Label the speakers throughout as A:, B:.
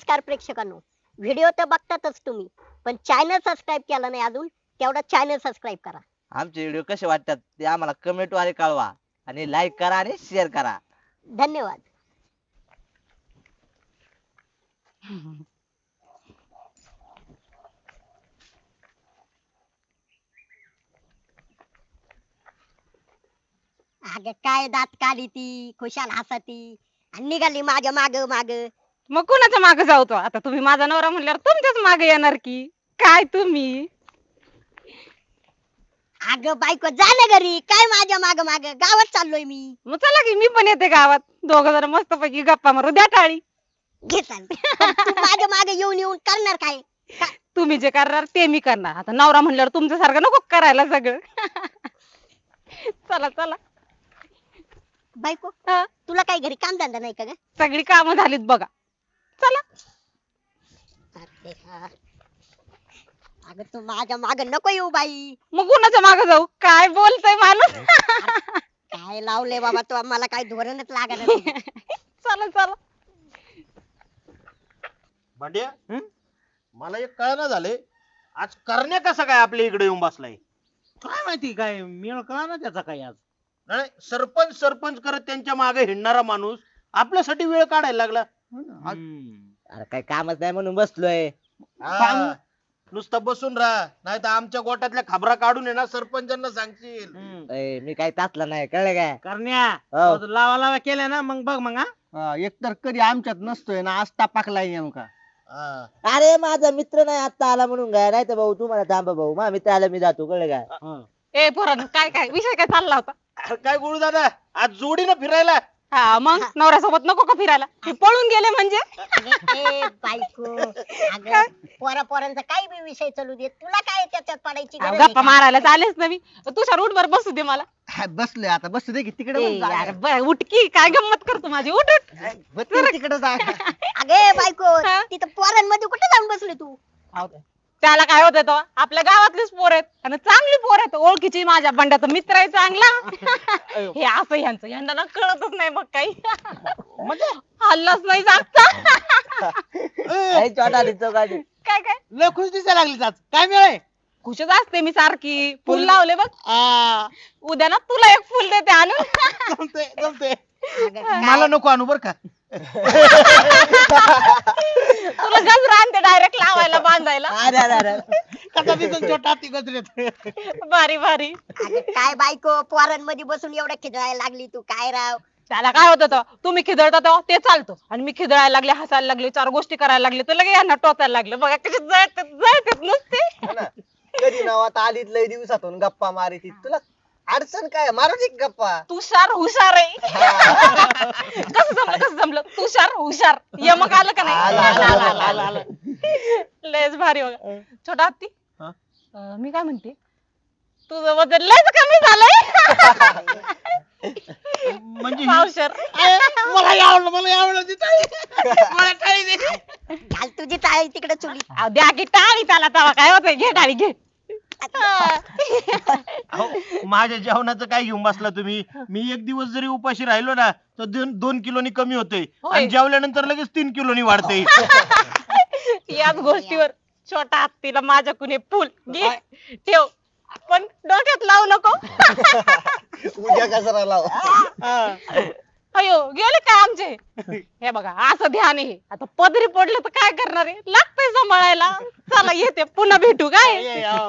A: नमस्कार प्रेक्षकांनो, व्हिडिओ तर बघतातच तुम्ही, पण चॅनल सबस्क्राईब केला नाही अजून, तेवढा चॅनल सबस्क्राईब करा.
B: आमचे व्हिडिओ कसे वाटतात ते आम्हाला कमेंट वाले कळवा आणि लाईक करा आणि शेअर करा.
A: धन्यवाद. अगं काय दात काढी ती, खुशाल हसती आणि निघाली माझ्या माग माग.
C: मग कुणाच्या मागे जाऊ तो आता? तुम्ही माझा नवरा म्हणल्यावर तुमच्याच मागे येणार की काय तुम्ही?
A: अगं बायको जा ना घरी, काय माझ्या माग माग? गावात चाललोय मी.
C: मग चला की मी पण येते गावात, दोघं जण मस्त पैकी गप्पा मारू द्या टाळी.
A: घे चाल. पण तू माझ्या मागे येऊन येऊन करणार काय?
C: तुम्ही जे करणार ते मी करणार. आता नवरा म्हणल्यावर तुमच्यासारखं नको करायला सगळं. चला चला.
A: बायको
C: हा,
A: तुला काय घरी काम धंदा नाही का ग?
C: सगळी कामं झालीत बघा. चला.
A: अरे हा. अगं तू माझ्या माग नको येऊ बाई.
C: मग कुणाच्या मागे जाऊ? काय बोलतय माणूस?
A: काय लावले बाबा तू, मला काय धोरणच लागत नाही.
C: चला चला.
D: भांड्या मला एक कळना झाले, आज करण्या कसा काय आपल्या इकडे येऊन बसलाय?
E: काय माहिती काय मेळ कळा ना त्याचा काय आज.
D: नाही सरपंच सरपंच करत त्यांच्या मागे हिंडणारा माणूस आपल्यासाठी वेळ काढायला लागला.
B: अरे काही कामच नाही म्हणून बसलोय.
D: हा, नुसतं बसून राहा, नाही तर आमच्या गोट्यातल्या खबरा काढून आहे ना सरपंचांना सांगशील.
B: मी काही तातला नाही, कळलं काय?
E: करण्या
B: हो.
E: तो लावा लावा केल्या ना मग बघ मग हा.
F: एकतर कधी आमच्यात नसतोय ना, आज टापाकलाय नेमका.
D: हा.
B: अरे माझा मित्र नाही आता आला म्हणून काय, नाही तर भाऊ तुम्हाला थांबा भाऊ, माझा मित्र आला मी जातो, कळलं काय?
E: हा.
C: ए पोरांनो, काय काय विषय काय चालला होता?
D: अरे काय गुरु दादा, आज जोडीनं फिरायला.
C: हा मग नवऱ्यासोबत नको का फिरायला? ते पळून गेले म्हणजे?
A: अगं ए बायको, अगं पोरा पोरांचा काही बी विषय चालू दे, तुला काय त्याच्यात पडायची
C: अहो,
A: गरज आहे
C: गप्पा
A: का?
C: मारायला चालेच ना मी. तुझ्या रूट वर बसू दे मला.
F: बसलोय आता, बसू दे की तिकडे
C: ए, यार बरं, उठकी काय गंमत करतो माझी, उठ उठ.
F: तिकडे जा.
A: अगे बायको,
C: हा?
A: तिथं पोरांमध्ये कुठे जाऊन बसली तू?
C: त्याला काय होत तो? आपल्या गावातलीच पोर आहेत आणि चांगली पोर आहेत, ओळखीची. माझ्या बंड्याचा मित्र आहे चांगला. हे असं ह्यांचं ह्यांना ना कळतच नाही मग काही. हल्लाच नाही जागता.
B: छोटा दिसतो गाडी.
C: काय काय
E: लय खुश दिसायला लागली आज. काय मेळ आहे?
C: खुशच असते मी सारखी. फुल लावले बघ.
E: आ,
C: उद्या ना तुला एक फुल देते आणून.
E: जमतंय जमतंय.
A: अगं काय?
E: मला नको आणू बर का.
C: तुला गजरा आणते डायरेक्ट लावायला बांधायला.
B: अरे अरे अरे.
E: कसा दिसून छोटा ती गजरेत.
C: भारी भारी.
A: अगं काय बायको, पोरांमध्ये बसून एवढं खिदळायला लागली तू, काय राव?
C: त्याला काय होतं तो? तुम्ही खिदळता तेव्हा ते चालतो आणि मी खिदळायला लागले, हसायला लागले, चार गोष्टी करायला लागले तर लगे यांना टोचायला लागलं. बघा कशी जळतात जळतात नुसते.
F: हो ना. कधी नाव आता आलीत लय दिवसातून गप्पा मारिती, तुला अडचण काय? मारू दे की गप्पा.
C: तुषार हुशार आहे. कसं जमलं तुषार हुशार? यमक आलं का
F: आलं, आलं, आलं, आलं, आलं.
C: नाही? लयच भारी बघा. छोटा हत्ती,
E: हा?
C: मी काय म्हणते, तुझं वजन लयच कमी झालंय.
E: म्हणजे
C: पावशर.
E: मला आवडलं मला आवडलं ती टाळी. मला टाळी दे.
A: घाल तुझी टाळी तिकडे चुली.
C: अहो, द्या की टाळी त्याला, तेव्हा काय होतंय? घे टाळी घे.
D: अहो, माझ्या जेवणाचं काय घेऊन बसला तुम्ही? मी एक दिवस जरी उपाशी राहिलो ना तर 2 किलोनी कमी होते
C: होय.
D: आणि जेवल्यानंतर लगेच 3 किलोनी वाढते.
C: याच गोष्टीवर छोटा हत्तीला माझ्या कुणी फुल घे ठेव, पण डोक्यात लावू नको.
F: उद्या कसं लाव.
C: अयो गेले काय आमचे? हे बघा असं ध्यान आहे. आता पदरी पडलं तर काय करणार आहे? लागतंय सांभाळायला. चला येते, पुन्हा भेटू काय.
E: ये, आओ.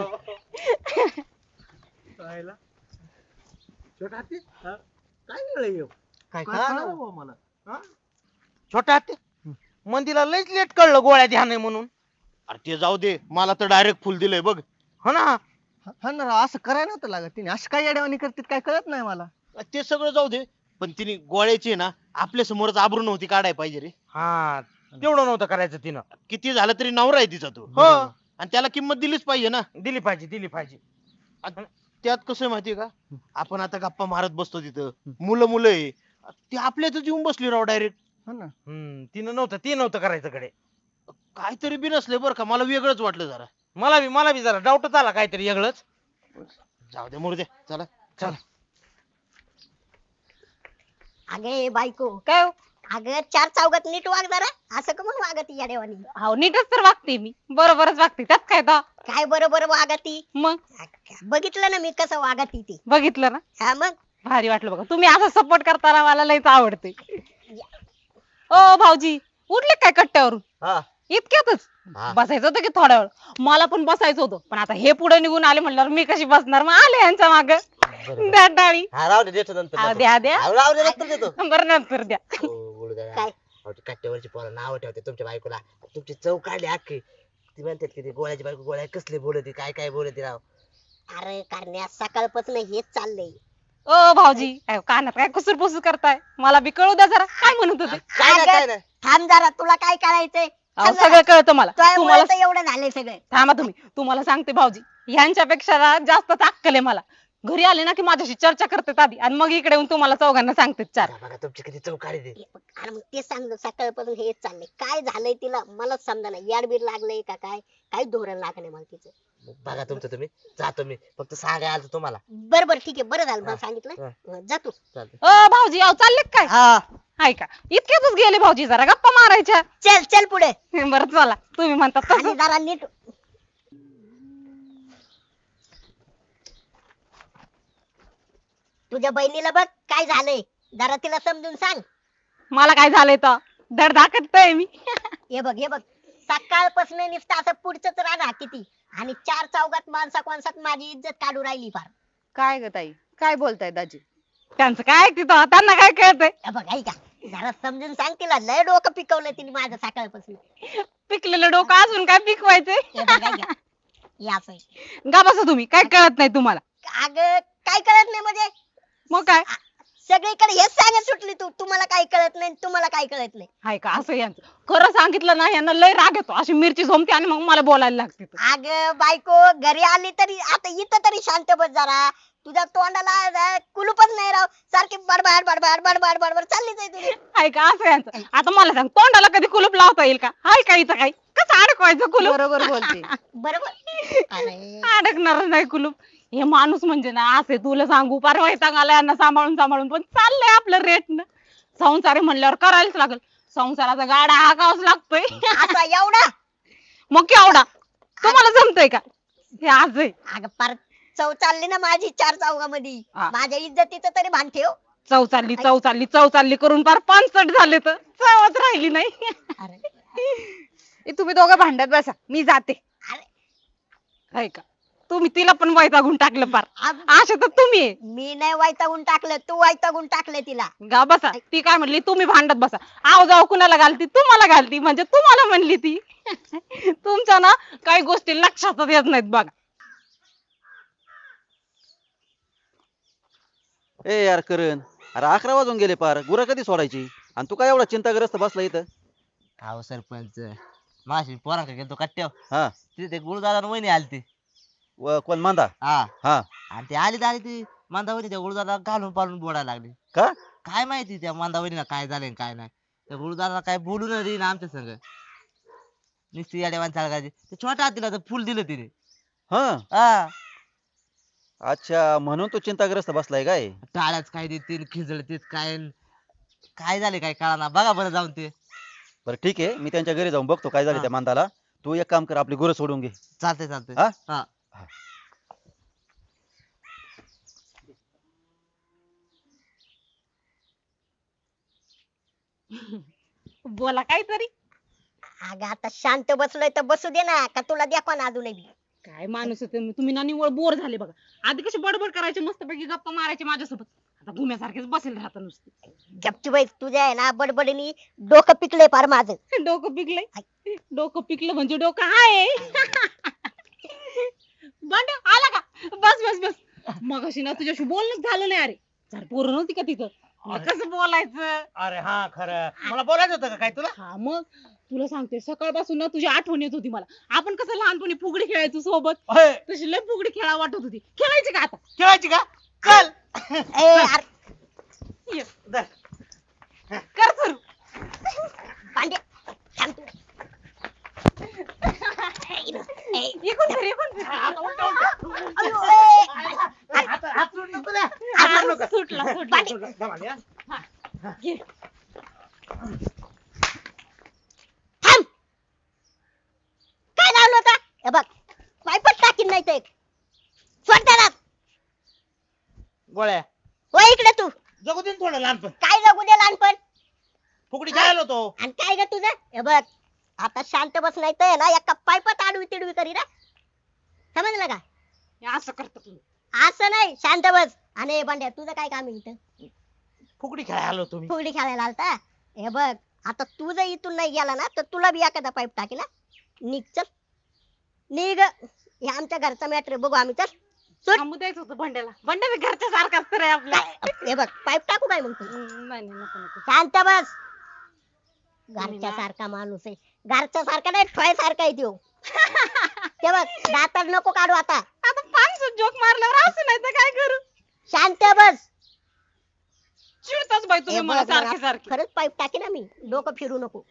E: पाहायला. छोटा हत्ती हा? काय वेळ आहे ह्यो?
F: काय
E: काय
F: कळलं?
E: कळलं बुवा मला हा? छोटा हत्ती मंदीला लयच लेट कळलं गोळ्या ध्यान आहे म्हणून.
D: अरे ते जाऊ दे, मला तर डायरेक्ट फुल दिलंय बघ.
E: हो ना.
F: हा ना, असं करायला नव्हतं लागत. तिने असं काय येड्यावानी करतात काय कळत नाही मला.
D: ते सगळं जाऊ दे, पण तिने गोळ्याची ना आपल्या समोरच आबरू नव्हती काढाय पाहिजे रे.
E: हा तेवढं नव्हतं करायचं तिनं.
D: किती झालं तरी नवरा आहे तिचा तो.
E: हो.
D: आणि त्याला किंमत दिलीच पाहिजे ना.
E: दिली पाहिजे दिली पाहिजे.
D: त्यात कसं आहे माहितीये का, आपण आता गप्पा मारत बसतो तिथं, मुलं मुलं आहे, ती आपल्यातच येऊन बसली राव डायरेक्ट.
F: हो ना.
E: तिनं नव्हतं ती नव्हतं करायचं कडे.
D: काहीतरी बी नसले बरं का, मला वेगळंच वाटलं जरा.
E: मला बी जरा डाऊटच आला काहीतरी वेगळंच.
D: जाऊ दे मुर्दे, चला.
E: चल.
A: अगे बायको,
C: काय हो?
A: अगं चार चौघात नीट वाग जरा, असं का म्हणून वागती या देवानी?
C: हो नीटच तर वागते मी, बरोबरच वागते, त्यात काय तर.
A: काय बरोबर वागती?
C: मग
A: बघितलं ना मी कसं वागती ती.
C: बघितलं ना,
A: हा मग
C: भारी वाटलं बघा, तुम्ही असं सपोर्ट करताना मला लयच आवडते. ओ भाऊजी, उठले काय कट्ट्यावरून?
F: हा
C: इतक्यातच
F: हा.
C: बसायचं होतं की थोड्या वेळ? मला पण बसायचं होतं, पण आता हे पुढे निघून आले म्हणल्यावर मी कशी बसणार? मग आले यांच्या माग. द्या डाळी.
F: हा राहू दे देतो नंतर
C: हा, द्या द्या.
F: राहू दे नंतर देतो.
C: बरं नंतर द्या.
A: काय?
F: कट्ट्यावरची पोरं नाव ठेवते तुमच्या बायकोला. तुमची चव काढली अख्खी. ती म्हणतात की ती गोळ्याची बायको गोळ्या कसली बोलते काय काय बोलते राव.
A: अरे करण्या सकाळपासून हेच चाललंय.
C: ओ भाऊजी, काय कानात काय कुसूर पुसूर करताय? मला बी कळू द्या जरा, काय म्हणत होते?
F: काय नाही काय नाही.
A: थांब जरा, तुला काय करायचंय?
C: अहो, सगळं कळतं मला.
A: तुझ्यामुळे
C: तुम्हाला
A: तर एवढं झालंय सगळं.
C: थांबा तुम्ही, तुम्हाला सांगते भाऊजी, ह्यांच्यापेक्षा ना जास्त अक्कल आहे मला. घरी आले ना की माझ्याशी चर्चा करतात आधी, आणि मग इकडे येऊन तुम्हाला चौघांना सांगते चार.
F: बघा बघा तुमची किती चव काढली.
A: अरे मग तेच सांगतो, सकाळपासून हेच चाललंय. काय झालंय तिला मलाच समजा ना, याडबीर लागलंय का काय? काय धोरण लागलंय मला तिचं.
F: बघा तुमचं तुम्ही. जातो मी, फक्त सांगाय आलो तुम्हाला.
A: बर बर ठीक आहे, बरं झालं मला
F: हा.
A: सांगितलं. जा तू.
F: चालतंय.
C: ओ भाऊजी, अहो चालले का काय?
F: हा
C: हाय का? इतक्यातच गेले भाऊजी, जरा गप्पा मारायच्या.
A: चल चल पुढे.
C: बरं चला, तुम्ही म्हणतात
A: आणि
C: तसं.
A: जरा नीट. तुझ्या बहिणीला बघ काय झालंय, जरा तिला समजून सांग.
C: मला काय झालंय तर धड धाकटतोय मी.
A: हे बघ हे बघ, सकाळपासून नुसतं असं पुढचंच राहणार किती, आणि चार चौघात माणसा कोणसात माझी इज्जत काढू राहिली फार.
G: काय ग ताई, काय बोलताय दाजी?
C: त्यांचं काय तिथं, त्यांना काय कळतंय?
A: हे बघ ऐका, जरा समजून सांग तिला. लय डोकं पिकवलं तिने माझं सकाळपासून.
C: पिकलेलं डोकं अजून काय पिकवायचंय?
A: हे बघ ऐका, हे असं आहे.
C: गा बसा तुम्ही, काय कळत नाही तुम्हाला?
A: अगं काय कळत नाही म्हणजे?
C: मग काय
A: सगळीकडे हेच सांगत सुटली तू, तुम्हाला काय कळत नाही, तुम्हाला काय कळत नाही.
C: हाय का? असं यांचं खरं सांगितलं ना, यांना लय राग येतो, अशी मिरची झोमते आणि मग मला बोलायला लागते.
A: अगं बायको घरी आली तरी, आता इथं तरी शांत बस जरा. तुझ्या तोंडाला कुलूपच नाही राव, सारखी बडबड बडबड बडबड बडबड चाललीच आहे तुझी.
C: हाय का? असं यांचं. आता मला सांग, तोंडाला कधी कुलूप लावता येईल का? हाय का इथं काही? कसं अडकवायचं कुलूप?
G: बरोबर बोलते.
A: बरोबर. अरे
C: अडकणार नाही कुलूप. हे माणूस म्हणजे ना असे, तुला सांगू पार वैताग आला यांना सांभाळून सांभाळून, पण चाललंय आपलं रेटनं. संसार आहे म्हणल्यावर करायलाच लागल. संसाराचा गाडा हाकावाच लागतोय.
A: असा एवढा.
C: मग केवढा? तुम्हाला जमतंय का? हे आज आहे.
A: अगं पार चव चालली ना माझी चार चौघामध्ये.
C: हा.
A: माझ्या इज्जतीचं तरी भान ठेव.
C: चव चालली चव चालली चव चालली करून पार 65 झाले, तर चवच राहिली नाही.
A: अरे
G: तुम्ही दोघं भांडत बसा, मी जाते.
A: अरे
C: हाय का? तुम्ही तिला पण वैतागून टाकलं पार.
A: अब-
C: अशा तर तुम्ही आहे.
A: मी नाही वैतागून टाकलं, तू वैतागून टाकलं तिला.
C: गा बसा. ती काय म्हणली, तुम्ही भांडत बसा. आव जाऊ कुणाला घालती? तुम्हाला घालती, म्हणजे तुम्हाला म्हणली ती. तुमच्या ना काही गोष्टी लक्षातच येत नाहीत बघा.
H: ए यार करण, अरे 11 वाजून गेले पार, गुरं कधी सोडायची? आणि तू काय एवढा चिंताग्रस्त बसला इथं?
F: अहो सरपंच, माशी पोरांकडे गेलतो कट्ट्यावर.
H: हा.
F: तिथे ते गुरुदादा वहिनी आलती.
H: कोण मांदा?
F: हा
H: हा.
F: आणि ते आली ती मांदावणी त्या गुरुदादा घालून पालून बोलायला लागली.
H: का?
F: काय माहिती त्या मांदावणीला काय झालंय आणि काय नाही. त्या गुरुदादा काय बोलू न देईन आमच्या संग. नुसती याडेवान चालगायची. ते छोट्या हातीला तर फुल दिलं तिने.
H: हा.
F: हा.
H: अच्छा, म्हणून तू चिंताग्रस्त बसलाय काय?
F: टाळ्याच काय देतील, खिजळतील काय, काय झाले काय कळाना. बघा बरं जाऊन ते.
H: बरं ठीक आहे, मी त्यांच्या घरी जाऊन बघतो काय झालं
F: हा.
H: त्या मांदाला. तू एक काम कर, आपली गुरं सोडून घे.
F: चालतंय चालतंय.
H: हा?
F: हा.
C: बोला काहीतरी.
A: अगं आता शांत बसलोय तर बसू दे ना, का तुला द्या पण अजूनही.
C: काय माणूस आहे तुम्ही ना, निवळ बोर झाले बघा. आधी कशी बडबड करायची, मस्तपैकी गप्पा मारायची माझ्यासोबत, आता घुम्यासारखेच बसेल राहता नुसते.
A: गपचूबाई तुझ्या आहे ना बडबडीनी डोकं पिकलंय फार माझं.
C: डोकं पिकलंय? डोकं पिकलं म्हणजे डोकं आहे. बंड आला का? बस बस बस. मग अशी ना तुझ्याशी बोलणंच झालं नाही. अरे जर पोरं नव्हती का तिथं, मग कसं बोलायचं?
E: अरे हा खरं, मला बोलायचं होतं का काय तुला?
C: हा मग तुला सांगते, सकाळपासून ना तुझी आठवण येत होती मला. आपण कसं लहानपणी फुगडी खेळायचो सोबत,
E: होय.
C: तशी लय फुगडी खेळा वाटत होती. खेळायची का आता?
E: खेळायची का? चल.
A: ए यार
C: ये,
E: धर.
C: कर सुरू.
A: पांडे थांब तू. ए,
C: इकडून फिर, इकडून फिर.
A: अयो, ए.
E: हात सोड नको द्या.
C: हा, सुटला सुटला
A: पांडे.
C: सुटला.
E: धमाल, या.
C: घे.
A: थांब. काय लावलं होतं हे बघ पाईपच टाकीन नाही ते सोड त्याला.
E: गोळ्या
A: हो इकडे तू
E: जगू दे ना थोडं लहानपण.
A: काय जगू दे लहानपण
E: फुकडी खेळायला होतो.
A: आणि काय ग तुझं हे बघ आता शांत बस नाही तर ना एका पाईपात आडवी तिडवी करी ना समजलं का
C: हे असं करतो तुम्ही.
A: असं नाही शांत बस. आणि बंड्या तुझं काय काम आहे इथं
E: फुकडी खेळायला होतो मी.
A: फुगडी खेळायला आलता हे बघ आता तू जर इथून नाही गेला ना तर तुला बी एखादा पाईप टाकी ना निघ चल निघ हे आमच्या घरचा मॅटर बघू आम्ही चल सोड.
C: थांबू द्यायचं होतं भांड्याला. भांड्या बी घरच्या सारखाच तर आहे आपला.
A: हे बघ पाईप टाकू काय मग तू
C: नाही नाही नको नको.
A: शांत बस. घरच्या सारखा माणूस आहे घरच्या सारखा नाही ठोय सारखा आहे त्यो ते बघ दातार नको काढू आता
C: आता पाच जोक मारल्यावर असं नाही तर काय करू.
A: शांत बस.
C: चिडताच बाई
A: हे
C: तुम्ही
A: बघ,
C: मला सारखे
A: मला
C: सारखे.
A: खरंच पाईप टाकी ना मी डोकं फिरू नको.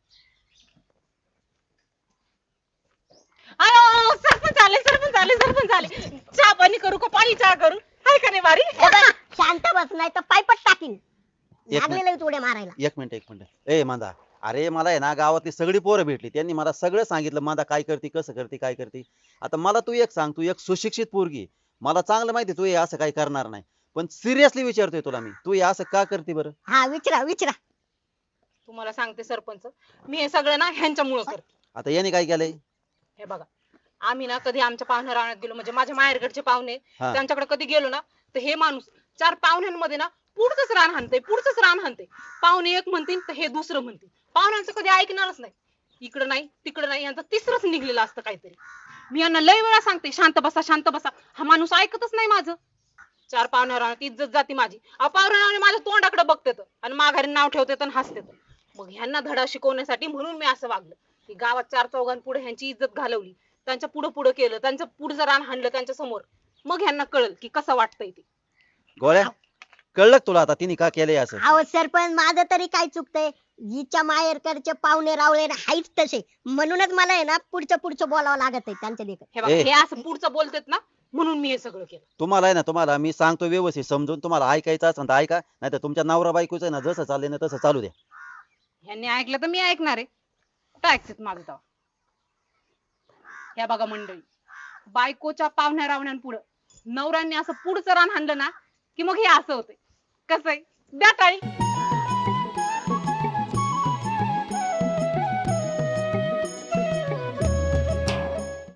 C: अयो सरपंच आले सरपंच आले सरपंच आले. चहा पाणी करू का पाणी चहा करू हाय का नाही बारी.
A: हे बघ, शांत बस नाही तर पाईपच टाकीन
H: एक
A: लागलेलं आहे उड्या मारायला.
H: एक मिनिट ए मांदा, अरे मला आहे ना गावातली सगळी पोरं भेटली, त्यांनी मला सगळं सांगितलं मांदा काय करते कसं करते काय करते. आता मला तू एक सांग, तू एक सुशिक्षित पोरगी, मला चांगलं माहिती तू हे असं काही करणार नाही, पण सिरियसली विचारतोय तुला मी, तू हे असं का करते बरं.
A: हा विचारा विचारा.
C: तुम्हाला सांगते सरपंच मी हे सगळं ना ह्यांच्यामुळं करते.
H: आता याने काय केलंय.
C: हे बघा आम्ही ना कधी आमच्या पाहुण्या राहण्यात गेलो म्हणजे माझ्या माहेरकडचे पाहुणे
H: हा.
C: त्यांच्याकडे कधी गेलो ना तर हे माणूस चार पाहुण्यांमध्ये ना पुढचंच रान हाणते पुढचंच रान हाणते. पाहुणे एक म्हणतील तर हे दुसरं म्हणतील. पाहुण्यांचं कधी ऐकणारच नाही. इकडं नाही तिकडं नाही यांचं तिसरंच निघलेलं असतं काहीतरी. मी यांना लय वेळा सांगते शांत बसा शांत बसा, हा माणूस ऐकतच नाही माझं. चार पाहुण्या राहण्यात इज्जत जाती माझी. पाहुण्या माझ्या तोंडाकडे बघतात आणि माघारी नाव ठेवतात आणि हसतात. मग ह्यांना धडा शिकवण्यासाठी म्हणून मी असं वागलं की गावात चार चौघांपुढे ह्यांची इज्जत घालवली, त्यांच्या पुढं पुढं केलं, त्यांचं पुढचं रान हाणलं त्यांच्या समोर. मग ह्यांना कळल की कसं वाटतंय ते.
H: गोळ्या कळलं का तुला आता तिने का केलंय असं.
A: अहो सरपंच माझं तरी काय चुकतंय. हिच्या माहेरकडचे पाहुणे रावळे ना हाईच तसे म्हणूनच मला आहे ना पुढचं बोलावं लागत आहे त्यांच्या देखत.
C: हे बघा
H: ए.
C: हे असं पुढचं बोलतात ना म्हणून मी हे सगळं केलं.
H: तुम्हाला आहे ना, तुम्हाला मी सांगतो व्यवस्थित समजून, तुम्हाला ऐकायचं असेल तर ऐका, नाही तर तुमच्या नवरा बायकोचं आहे ना जसं चाललंय ना तसं चालू द्या.
C: ह्यांनी ऐकलं तर मी ऐकणार आहे. कुठं ऐकतात माझं तेव्हा. ह्या बघा मंडळी, बायकोच्या पाहुण्या रावण्यांपुढं नवऱ्यांनी असं पुढचं रान हाणलं ना की मग हे असं होतंय. कसं आहे द्या टाळी.